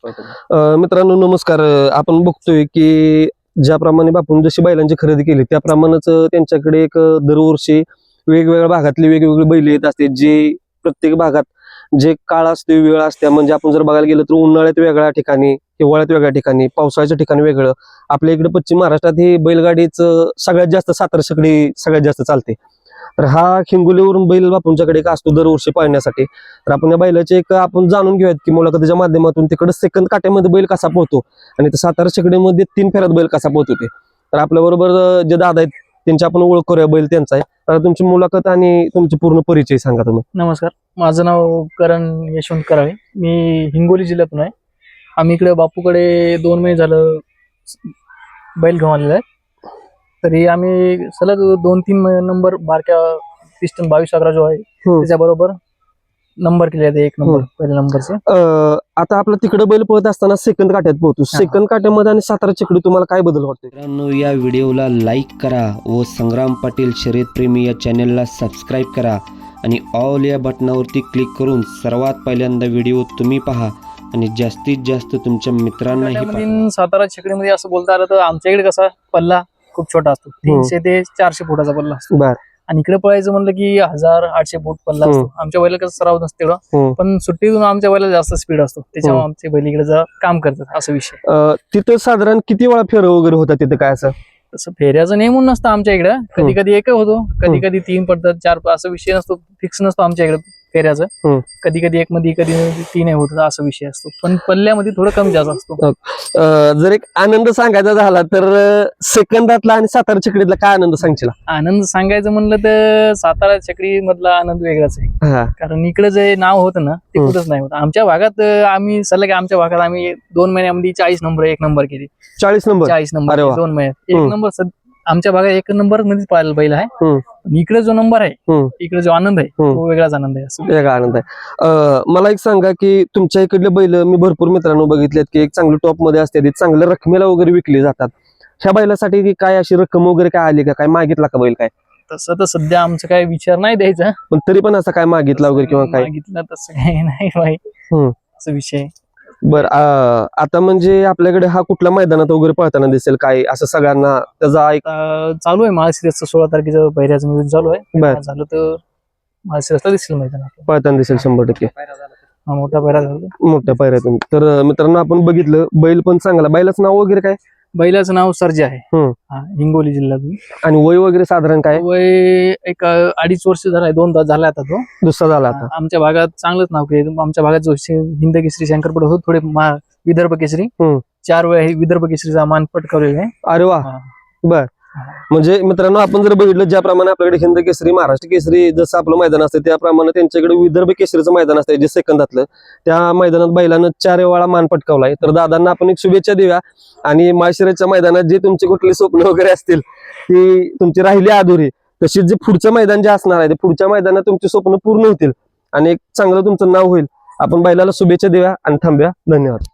मित्रांनो नमस्कार. आपण बघतोय की ज्याप्रमाणे बापून जशी बैलांची खरेदी केली त्याप्रमाणेच त्यांच्याकडे एक दरवर्षी वेगवेगळ्या भागातली वेगवेगळी बैल येत असते, जे प्रत्येक भागात जे काळ असते वेळ असते. म्हणजे आपण जर बघायला गेलं तर उन्हाळ्यात वेगळ्या ठिकाणी, हिवाळ्यात वेगळ्या ठिकाणी, पावसाळ्याच्या ठिकाणी वेगळं. आपल्या इकडे पश्चिम महाराष्ट्रात ही बैलगाडीच सगळ्यात जास्त सातारा शेकडी सगळ्यात जास्त चालते. तर हा हिंगोलीवरून बैल बापूंच्याकडे एक असतो दरवर्षी पाळण्यासाठी. तर आपण या बैलाचे एक आपण जाणून घेऊयात की मुलाखतीच्या माध्यमातून तिकडे सेकंद काट्यामध्ये बैल कसा पोहतो आणि सातारा शेकडीमध्ये 3 फेऱ्यात बैल कसा पोहतो ते. तर आपल्या बरोबर जे दादा आहेत त्यांची आपण ओळख करूया. बैल त्यांचा आहे. तर तुमची मुलाखत आणि तुमची पूर्ण परिचय सांगा तुम्ही. नमस्कार, माझं नाव करण यशवंत कराळे. मी हिंगोली जिल्ह्यातून आहे. आम्ही इकडे बापूकडे 2 महिने झालं बैल घेऊन आलेला आहे. तरी आम्ही सलग 2-3 नंबर बारक्या पिस्टन 22-11 जो आहे त्याच्याबरोबर नंबर केले आहेत. 1 नंबर पहिल्या नंबरचे. आता आपलं तिकडे बैल पळत असताना सेकंद काट्यात पोहतो. सेकंद काट्यामध्ये आणि सातारा शेकडी तुम्हाला काय बदल वाटतो? मित्रांनो, या व्हिडिओला लाईक करा व संग्राम पाटील शर्यतप्रेमी या चॅनलला सबस्क्राईब करा आणि ऑल या बटनावरती क्लिक करून सर्वात पहिल्यांदा व्हिडिओ तुम्ही पहा आणि जास्तीत जास्त तुमच्या मित्रांनाही पाठवा. सातारा शेकडीमध्ये असं बोलता आलं तर आमच्याकडे कसा पल्ला खूप छोटा असतो. 300 ते 400 फुटाचा पल्ला असतो. बर. आणि इकडे पळायचं म्हणलं की 1000-800 फूट पल्ला असतो. आमच्या बैला कसं सराव नसते तेवढा, पण सुट्टीतून आमच्या बैला जास्त स्पीड असतो, त्याच्यामुळे आमचे बैल इकडे काम करतात असं विषय. तिथं साधारण किती वेळा फेर वगैरे होतात तिथं काय असं? तसं फेऱ्याचं नेमून नसतं आमच्या इकडं. कधी कधी एक होतो, कधी कधी 3 पडतात, 4 असं विषय नसतो, फिक्स नसतो आमच्या इकडे फेऱ्याचं. कधी कधी 1 मध्ये कधी 3 होत असं विषय असतो, पण पल्ल्यामध्ये थोडं कमी जास्त असतो. जर एक आनंद सांगायचा झाला तर सेकंदातला आणि सातारा शेकडीतला काय आनंद सांगशील? आनंद सांगायचं म्हणलं तर सातारा चक्री मधला आनंद वेगळाच आहे. कारण इकडे जे नाव होतं ना ते कुठंच नाही होतं. आमच्या भागात आम्ही सलग आमच्या भागात आम्ही 2 महिन्यामध्ये 40 नंबर 1 नंबर केली. 40 नंबर 2 महिन्यात 1 नंबर. आमच्या भागात 1 नंबर मध्येच पाहायला बैल आहे. इकडे जो नंबर आहे, इकडे जो आनंद आहे तो वेगळाच आनंद आहे. वेगळा आनंद आहे. मला एक सांगा की तुमच्या इकडले बैल मी भरपूर मित्रांनो बघितलेत की एक चांगलं टॉप मध्ये असते, चांगल्या रकमेला वगैरे विकले जातात. ह्या बैलासाठी काय अशी रक्कम वगैरे काय आली का? काय मागितला का बैल? काय तसं तर सध्या आमचं काय विचार नाही द्यायचा, पण तरी पण असं काय मागितला वगैरे किंवा काय मागितलं तसं काही नाही भाई. असं विषय. बर. आता म्हणजे आपल्याकडे हा कुठल्या मैदानात वगैरे पळताना दिसेल काय असं सगळ्यांना त्याचा एक चालू आहे? महाशिरसचं 16 तारखेचं पहिल्याचं नियोजन चालू आहे. झालं तर महाशिरसला दिसेल मैदानात पळताना दिसेल 100%. मोठा पैरा झाला, मोठ्या पायऱ्यातून. तर मित्रांनो आपण बघितलं बैल पण चांगला. बैलाचं नाव वगैरे काय? बैलाचं नाव सर्जा आहे. हिंगोली जिल्ह्यातून. आणि वय वगैरे साधारण काय? वय एक 2.5 वर्ष झालाय, 2 तास झाला आता तो. दुसरा झाला आता. आमच्या भागात चांगलंच नाव केलं. आमच्या भागात जो हिंद केसरी शंकरपट होतो, थोडे विदर्भ केसरी 4 वेळा हे विदर्भ केसरीचा मान पटकावलेला आहे. अरे वा. बर. म्हणजे मित्रांनो आपण जर बघितलं ज्याप्रमाणे आपल्याकडे हिंद केसरी, महाराष्ट्र केसरी जसं आपलं मैदान असतं त्याप्रमाणे त्यांच्याकडे विदर्भ केसरीचं मैदान असतं जे सेकंदातलं. त्या मैदानात बैलानं 4 वेळा मान पटकावलाय. तर दादांना आपण एक शुभेच्छा देऊया. आणि माळशिरसच्या मैदानात जे तुमचे कुठले स्वप्न वगैरे असतील ती तुमची राहिली अधुरी, तशीच जे पुढचं मैदान जे असणार आहे ते पुढच्या मैदानात तुमचे स्वप्न पूर्ण होतील आणि एक चांगलं तुमचं नाव होईल. आपण बैलाला शुभेच्छा देऊया आणि थांबूया. धन्यवाद.